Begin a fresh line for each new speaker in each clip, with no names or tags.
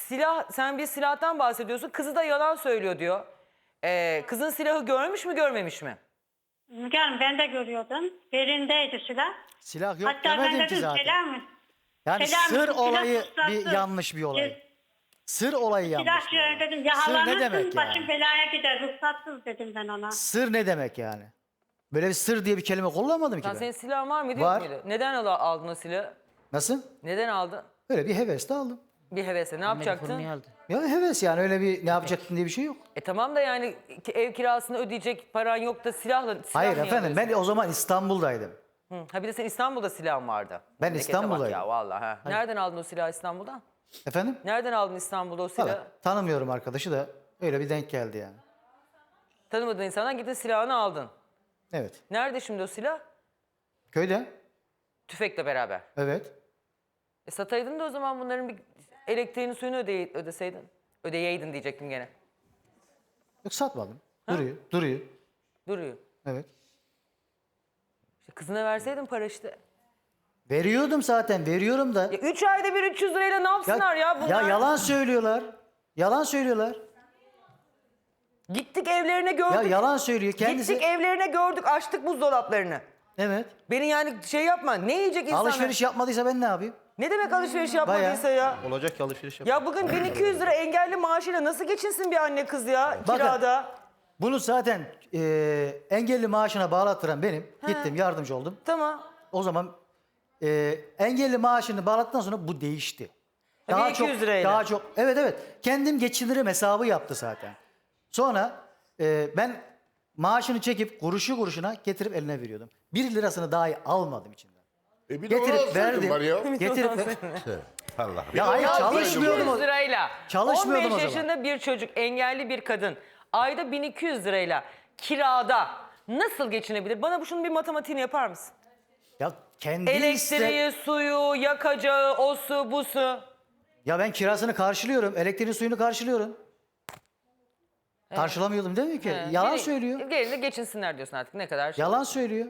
silah, sen bir silahtan bahsediyorsun. Kızı da yalan söylüyor diyor. Kızın silahı görmüş mü görmemiş mi?
Müge Hanım ben de görüyordum. Belindeydi silah.
Silah yok
Hatta ben
demedim ki
dedim
zaten.
Selam.
Yani
Selam,
sır
silah
olayı
tutsatlı.
bir yanlış bir olay. Sır olayı yanlış
Silah
bir olay.
dedim
Sır ne
yakalanırsın
demek
başın
yani?
belaya gider ruhsatsız dedim ben ona.
Sır ne demek yani? Böyle bir sır diye bir kelime kullanmadım ki
Sen
ben.
senin silahın var mıydı
Var.
yok muydu? Neden aldın o silahı?
Nasıl?
Neden aldın?
Öyle bir hevesle aldım.
Bir hevesle ne yapacaktın?
Ya heves yani öyle bir ne yapacaktın diye bir şey yok.
Tamam da yani ev kirasını ödeyecek paran yok da silah
Hayır
niye
efendim ben
alıyorsun?
o zaman İstanbul'daydım.
Ha bir de senin İstanbul'da silahın vardı.
Ben
Memlekete bak
İstanbul'dayım.
ya vallahi. Ha. Nereden aldın o silahı İstanbul'dan?
Efendim?
Nereden aldın İstanbul'da o silahı?
Valla tanımıyorum arkadaşı da öyle bir denk geldi yani.
Tanımadığın insandan gittin silahını aldın.
Evet.
Nerede şimdi o silah?
Köyde?
Tüfekle beraber.
Evet.
Sataydın da o zaman bunların bir elektriğini suyunu ödeseydin. Ödeyeydin diyecektim gene.
Yok satmadım. Duruyor. Duruyor.
Duruyor.
Evet.
İşte kızına verseydin para işte.
Veriyordum zaten veriyorum da.
Ya 3 ayda bir 300 lirayla ne yapsınlar ya bunlar?
Ya yalan söylüyorlar. Yalan söylüyorlar.
Gittik evlerine gördük.
Ya yalan söylüyor kendisi.
Gittik evlerine gördük açtık buzdolaplarını.
Evet.
Beni yani şey yapma ne yiyecek insanlar?
Alışveriş yapmadıysa ben ne yapayım?
Ne demek alışveriş yapmadıysa ya?
Olacak ki alışveriş yap.
Ya bugün 1200 lira engelli maaşıyla nasıl geçinsin bir anne kız ya
Bakın.
kirada?
Bunu zaten engelli maaşına bağlattıran benim. Gittim yardımcı oldum.
Tamam.
O zaman engelli maaşını bağlattıktan sonra bu değişti.
1200 lirayla.
Daha çok. Evet evet. Kendim geçinirim hesabı yaptı zaten. Sonra ben maaşını çekip kuruşu kuruşuna getirip eline veriyordum. 1 lirasını dahi almadım içinden.
Bir de onu
Getirip
alsaydın
verdim.
var ya.
Getirip
Allah.
ya hayır
Ya
çalışmıyordum.
1200 lirayla
Çalışmıyordum
15
o zaman.
yaşında bir çocuk engelli bir kadın ayda 1200 lirayla kirada nasıl geçinebilir? Bana şunun bir matematiğini yapar mısın?
Ya kendi
Elektriği, suyu, yakacağı, osu, busu.
Ya ben kirasını karşılıyorum. Elektriğini suyunu karşılıyorum. Karşılamıyordum değil mi ki? Yalan söylüyor.
Gelin de geçinsinler diyorsun artık ne kadar şey.
Yalan söylüyor.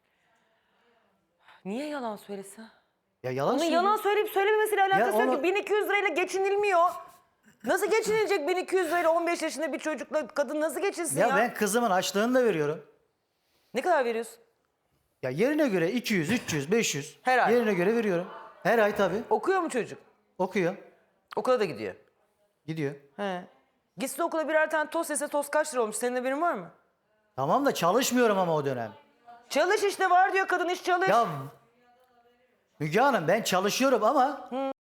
Niye yalan söylesin?
Ya yalan
Onun
söylüyor.
yalan söyleyip söylememesiyle alakası
Ya
yok
onu-
ki 1200 lirayla geçinilmiyor. Nasıl geçinilecek 1200 lirayla 15 yaşında bir çocukla kadın nasıl geçinsin ya?
Ya ben kızımın açlığını da veriyorum.
Ne kadar veriyorsun?
Ya yerine göre 200, 300, 500.
Her ay.
Yerine göre veriyorum. Her ay tabii.
Okuyor mu çocuk?
Okuyor.
Okula da gidiyor.
Gidiyor.
He. Gitsin okula birer tane tost yese tost kaç lira olmuş? Senin haberin var mı?
Tamam da çalışmıyorum ama o dönem.
Çalış işte var diyor kadın iş çalış.
Ya Müge Hanım ben çalışıyorum ama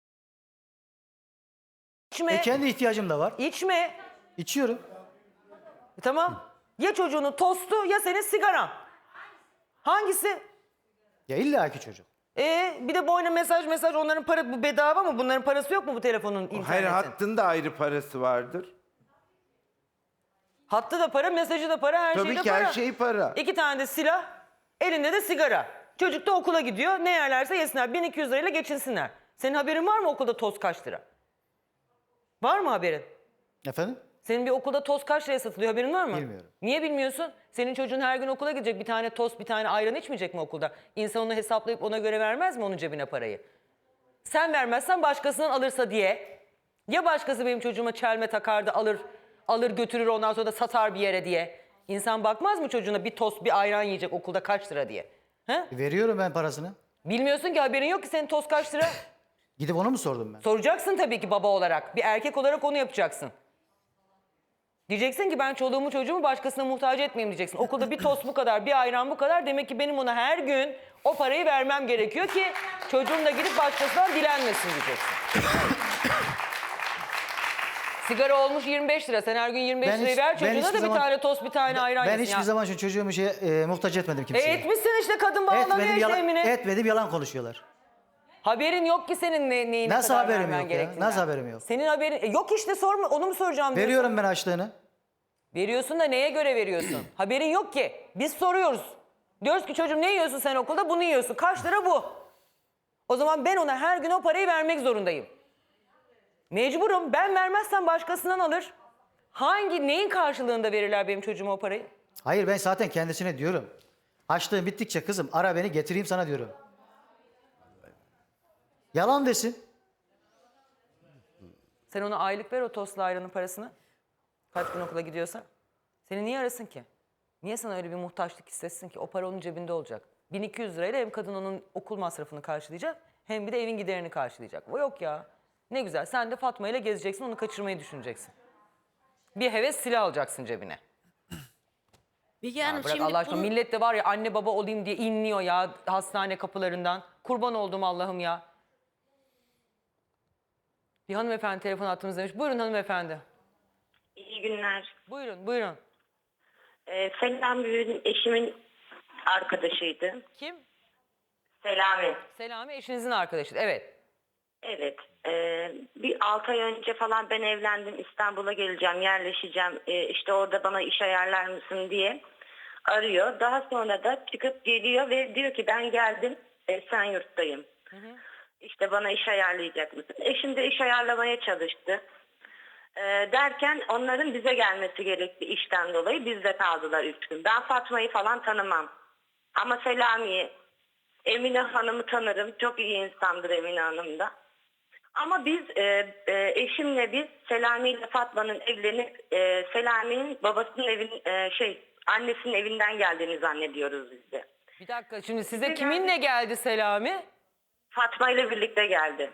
İçme.
kendi ihtiyacım da var.
İçme.
İçiyorum.
Tamam. Ya çocuğunun tostu ya senin sigaran. Hangisi?
Ya illaki çocuk.
Bir de boyuna mesaj onların para bu bedava mı? Bunların parası yok mu bu telefonun internetin?
Hayır, hattın da ayrı parası vardır.
Hattı da para, mesajı da para, her şey
Tabii
de
ki
para.
her şey para.
2 tane de silah, elinde de sigara. Çocuk da okula gidiyor. Ne yerlerse yesinler. 1200 lirayla geçinsinler. Senin haberin var mı okulda toz kaç lira? Var mı haberin?
Efendim?
Senin bir okulda toz kaç liraya satılıyor haberin var mı?
Bilmiyorum.
Niye bilmiyorsun? Senin çocuğun her gün okula gidecek. Bir tane tost, bir tane ayran içmeyecek mi okulda? İnsan onu hesaplayıp ona göre vermez mi onun cebine parayı? Sen vermezsen başkasından alırsa diye. Ya başkası benim çocuğuma çelme takardı alır götürür ondan sonra da satar bir yere diye. İnsan bakmaz mı çocuğuna bir tost bir ayran yiyecek okulda kaç lira diye? He?
Veriyorum ben parasını.
Bilmiyorsun ki haberin yok ki senin tost kaç lira?
Gidip onu mu sordum ben?
Soracaksın tabii ki baba olarak. Bir erkek olarak onu yapacaksın. Diyeceksin ki ben çoluğumu çocuğumu başkasına muhtaç etmeyeyim diyeceksin. Okulda bir tost bu kadar, bir ayran bu kadar. Demek ki benim ona her gün o parayı vermem gerekiyor ki çocuğum da gidip başkasından dilenmesin diyeceksin. Sigara olmuş 25 lira. Sen her gün 25
Ben
lirayı
hiç-
ver
ben
çocuğuna
hiçbir
da bir
zaman-
tane tost, bir tane ayran
Ben
yesin
hiçbir
ya.
zaman şu çocuğumu muhtaç etmedim kimseye.
Etmişsin işte kadın bağlanıyor
Etmedim,
işte
yalan,
Emine.
etmedim yalan konuşuyorlar.
Haberin yok ki senin neyine
Nasıl
kadar
haberim
vermen
yok ya?
gerektiğinden.
Nasıl haberim yok?
Senin haberin yok işte sorma onu mu soracağım diyorsun.
Veriyorum ben açlığını.
Veriyorsun da neye göre veriyorsun? Haberin yok ki. Biz soruyoruz. Diyoruz ki çocuğum ne yiyorsun sen okulda? Bunu yiyorsun. Kaç lira bu? O zaman ben ona her gün o parayı vermek zorundayım. Mecburum. Ben vermezsem başkasından alır. Neyin karşılığında verirler benim çocuğuma o parayı?
Hayır ben zaten kendisine diyorum. Açlığın bittikçe kızım ara beni getireyim sana diyorum. Yalan desin.
Sen ona aylık ver o tostla ayranın parasını. Kaç gün okula gidiyorsa. Seni niye arasın ki? Niye sana öyle bir muhtaçlık hissetsin ki? O para onun cebinde olacak. 1200 lirayla hem kadın onun okul masrafını karşılayacak hem bir de evin giderini karşılayacak. O yok ya. Ne güzel. Sen de Fatma ile gezeceksin, onu kaçırmayı düşüneceksin. Bir heves silah alacaksın cebine.
Bilge Hanım
Bırak
şimdi
Allah aşkına.
bunu-
Millet de var ya anne baba olayım diye inliyor ya hastane kapılarından. Kurban oldum Allah'ım ya. Bir hanımefendi telefon attığımız Buyurun hanımefendi.
İyi günler.
Buyurun, buyurun.
Selami eşimin arkadaşıydı.
Kim?
Selami.
Selami eşinizin arkadaşı. Evet.
Evet. Bir 6 ay önce falan ben evlendim. İstanbul'a geleceğim, yerleşeceğim. İşte orada bana iş ayarlar mısın diye arıyor. Daha sonra da çıkıp geliyor ve diyor ki ben geldim. Esenyurt'tayım. İşte bana iş ayarlayacak mısın? Eşim de iş ayarlamaya çalıştı. Derken onların bize gelmesi gerekti işten dolayı. Bizde kaldılar 3 gün. Ben Fatma'yı falan tanımam. Ama Selami'yi, Emine Hanım'ı tanırım. Çok iyi insandır Emine Hanım da. Ama biz eşimle biz Selami ile Fatma'nın evlenip Selami'nin babasının annesinin evinden geldiğini zannediyoruz biz de.
Bir dakika şimdi size
Bize
kiminle geldi Selami?
Fatma ile birlikte geldi.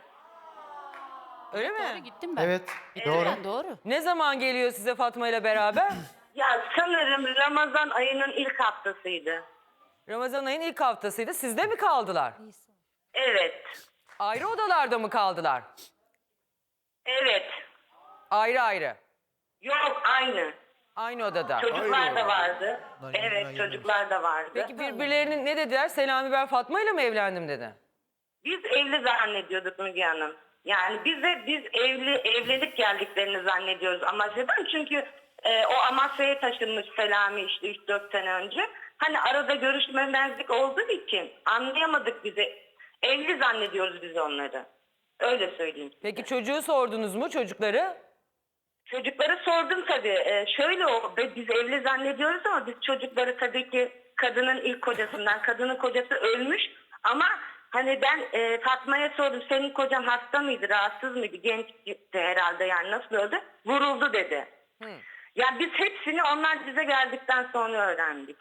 Öyle mi?
Doğru gittim ben.
Evet,
Gittim
doğru.
ben, doğru.
Ne zaman geliyor size Fatma ile beraber?
Ya sanırım Ramazan ayının ilk haftasıydı.
Ramazan ayının ilk haftasıydı. Sizde mi kaldılar?
Evet.
Ayrı odalarda mı kaldılar?
Evet.
Ayrı ayrı.
Yok aynı.
Aynı odada.
Çocuklar da vardı. Evet çocuklar da vardı.
Peki birbirlerinin ne dediler? Selami ben Fatma ile mi evlendim dedi.
Biz evli zannediyorduk Müge Hanım. Yani biz evlenip geldiklerini zannediyoruz Amasya'dan. Çünkü o Amasya'ya taşınmış Selami işte 3-4 sene önce. Hani arada görüşmemezlik olduğu için anlayamadık bizi. Evli zannediyoruz biz onları. Öyle söyleyeyim.
Peki çocuğu sordunuz mu çocukları?
Çocuklara sordum tabii. Şöyle biz evli zannediyoruz ama biz çocukları tabii ki kadının ilk kocasından. Kadının kocası ölmüş ama hani ben Fatma'ya sordum. Senin kocan hasta mıydı, rahatsız mıydı? Gençti herhalde yani nasıl öldü? Vuruldu dedi. Yani biz hepsini onlar bize geldikten sonra öğrendik.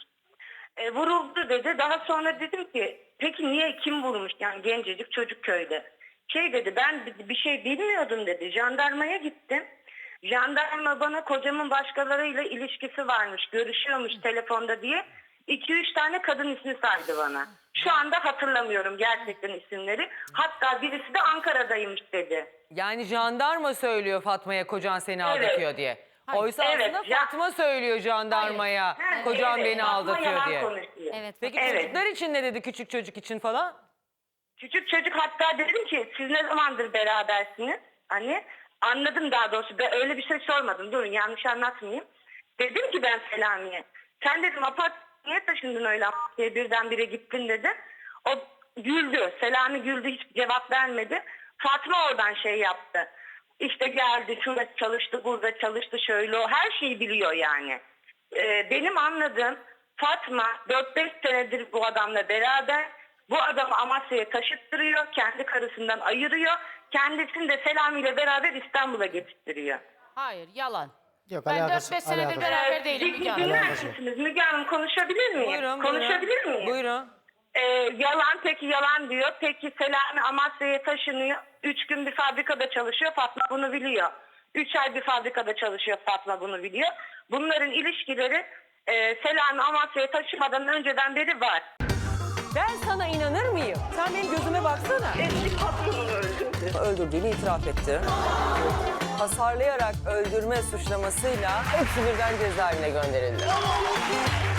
Vuruldu dedi. Daha sonra dedim ki peki niye kim vurmuş? Yani gencecik çocuk köyde. Dedi ben bir şey bilmiyordum dedi. Jandarmaya gittim. Jandarma bana kocamın başkalarıyla ilişkisi varmış, görüşüyormuş telefonda diye 2-3 tane kadın ismi saydı bana. Şu anda hatırlamıyorum gerçekten isimleri. Hatta birisi de Ankara'daymış dedi.
Yani jandarma söylüyor Fatma'ya kocan seni
Evet.
aldatıyor diye.
Hayır.
Oysa
Evet,
aslında Fatma söylüyor jandarmaya kocam beni
Fatma
aldatıyor
yalan
diye.
konuşuyor.
Evet.
Peki
Evet.
çocuklar için ne dedi küçük çocuk için falan?
Küçük çocuk hatta dedim ki siz ne zamandır berabersiniz? Hani anladım daha doğrusu. Ben öyle bir şey sormadım. Durun yanlış anlatmayayım. Dedim ki ben Selami'ye. Sen dedim niye taşındın öyle diye birdenbire gittin dedi. O güldü. Selami güldü hiç cevap vermedi. Fatma oradan şey yaptı. İşte geldi şurada çalıştı burada çalıştı şöyle o her şeyi biliyor yani. Benim anladığım Fatma 4-5 senedir bu adamla beraber. Bu adamı Amasya'ya taşıttırıyor. Kendi karısından ayırıyor. Kendisini de Selami ile beraber İstanbul'a getirttiriyor.
Hayır yalan.
Yok,
Ben
alakası-
4-5 senedir
alakası-
beraber değilim Müge Hanım.
Dinler
Alakası yok.
misiniz? Müge Hanım konuşabilir miyim?
Buyurun,
Konuşabilir
buyurun.
miyim?
Buyurun.
Yalan peki yalan diyor. Peki Selami Amasya'ya taşınıyor. 3 gün bir fabrikada çalışıyor. Fatma bunu biliyor. 3 ay bir fabrikada çalışıyor. Fatma bunu biliyor. Bunların ilişkileri Selami Amasya'ya taşımadan önceden beri var.
Ben sana inanır mıyım? Sen benim gözüme baksana.
Eski patronunu öldürdü.
Öldürdüğünü itiraf etti. Hasarlayarak öldürme suçlamasıyla hepsi birden cezaevine gönderildi.